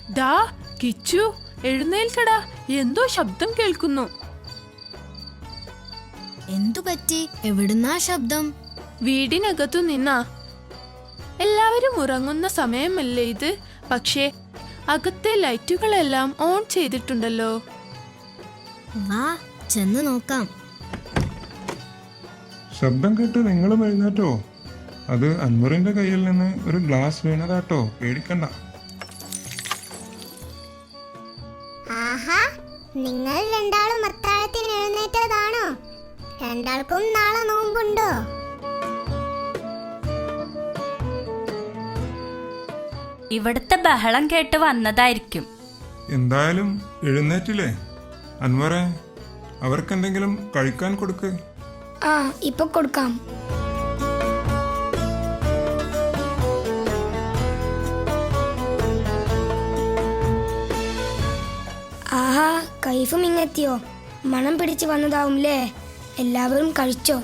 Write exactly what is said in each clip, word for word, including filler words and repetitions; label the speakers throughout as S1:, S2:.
S1: ദാ കിച്ചു, എഴുന്നേൽക്കടാ, എന്തോ ശബ്ദം കേൾക്കുന്നു.
S2: എന്തു പറ്റി? എവിടുന്നാ ശബ്ദം?
S1: വീടിനകത്തു നിന്നാ. എല്ലാവരും ഉറങ്ങുന്ന സമയമല്ലേ ഇത്? പക്ഷേ അകത്തെ ലൈറ്റുകളെല്ലാം ഓൺ ചെയ്തിട്ടുണ്ടല്ലോ.
S2: വാ ചെന്ന് നോക്കാം.
S3: ശബ്ദം കേട്ട് നിങ്ങളും എഴുന്നേറ്റോ? അത് അൻവറിന്റെ കയ്യിൽ നിന്ന് ഒരു ഗ്ലാസ് വീണതാട്ടോ, പേടിക്കണ്ട.
S4: ആഹാ, നിങ്ങൾ രണ്ടാളും അത്താഴത്തിന് എഴുന്നേറ്റതാണോ? രണ്ടാൾക്കും നാളെ നോമ്പുണ്ടോ?
S5: ഇവിടുത്തെ ബഹളം കേട്ട് വന്നതായിരിക്കും.
S3: എന്തായാലും എഴുന്നേറ്റില്ലേ? അൻവറെ, അവർക്കെന്തെങ്കിലും കഴിക്കാൻ കൊടുക്ക്.
S6: ആ, ഇപ്പൊ കൊടുക്കാം. ആഹാ, കൈഫും ഇങ്ങെത്തിയോ? മണം പിടിച്ച് വന്നതാവുംല്ലേ? എല്ലാവരും കഴിച്ചോ?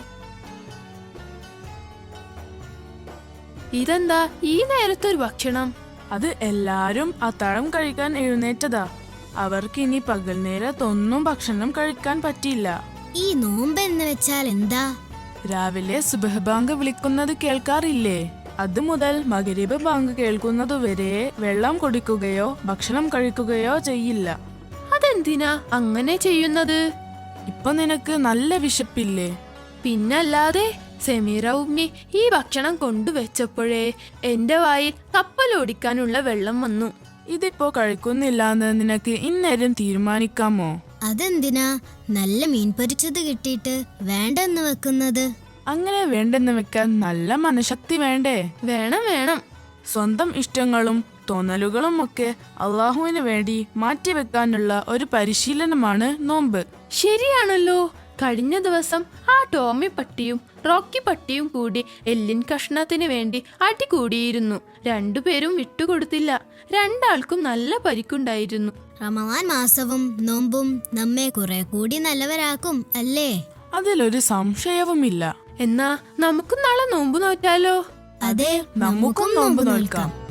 S1: ഇതെന്താ ഈ നേരത്തെ ഒരു ഭക്ഷണം?
S7: അത് എല്ലാരും അത്താഴം കഴിക്കാൻ എഴുന്നേറ്റതാ. അവർക്ക് ഇനി പകൽ നേരത്തൊന്നും ഭക്ഷണം കഴിക്കാൻ പറ്റില്ല.
S2: ഈ നോമ്പ് എന്ന് വെച്ചാൽ എന്താ?
S7: രാവിലെ സുബഹ് ബാങ്ക് വിളിക്കുന്നത് കേൾക്കാറില്ലേ? അത് മുതൽ മഗ്‌രിബ് ബാങ്ക് കേൾക്കുന്നതുവരെ വെള്ളം കുടിക്കുകയോ ഭക്ഷണം കഴിക്കുകയോ ചെയ്യില്ല.
S1: അതെന്തിനാ അങ്ങനെ ചെയ്യുന്നത്?
S7: ഇപ്പൊ നിനക്ക് നല്ല വിശപ്പില്ലേ?
S1: പിന്നല്ലാതെ, സെമീറ ഉമ്മി ഈ ഭക്ഷണം കൊണ്ടുവച്ചപ്പോഴേ എന്റെ വായിൽ കപ്പലോടിക്കാനുള്ള വെള്ളം വന്നു.
S7: ഇതിപ്പോ കഴിക്കുന്നില്ലാന്ന് നിനക്ക് ഇന്നേരം തീരുമാനിക്കാമോ?
S2: അതെന്തിനാ നല്ല മീൻ പൊരിച്ചത് കിട്ടിയിട്ട് വേണ്ടെന്ന് വെക്കുന്നത്?
S7: അങ്ങനെ വേണ്ടെന്ന് വെക്കാൻ നല്ല മനഃശക്തി വേണ്ടേ?
S1: വേണം വേണം.
S7: സ്വന്തം ഇഷ്ടങ്ങളും തോന്നലുകളും ഒക്കെ അള്ളാഹുവിന് വേണ്ടി മാറ്റിവെക്കാനുള്ള ഒരു പരിശീലനമാണ് നോമ്പ്.
S1: ശരിയാണല്ലോ. കഴിഞ്ഞ ദിവസം ആ ടോമി പട്ടിയും റോക്കി പട്ടിയും കൂടി എല്ലിൻ കഷ്ണത്തിന് വേണ്ടി അടികൂടിയിരുന്നു. രണ്ടുപേരും വിട്ടുകൊടുത്തില്ല. രണ്ടാൾക്കും നല്ല പരിക്കുണ്ടായിരുന്നു.
S2: റമദാൻ മാസവും നോമ്പും നമ്മെ കുറെ കൂടി നല്ലവരാക്കും അല്ലേ?
S7: അതിലൊരു സംശയവുമില്ല.
S1: എന്നാ നമുക്കും നാളെ നോമ്പ് നോറ്റാലോ?
S2: അതെ,
S7: നമുക്കും നോമ്പ് നോൽക്കാം.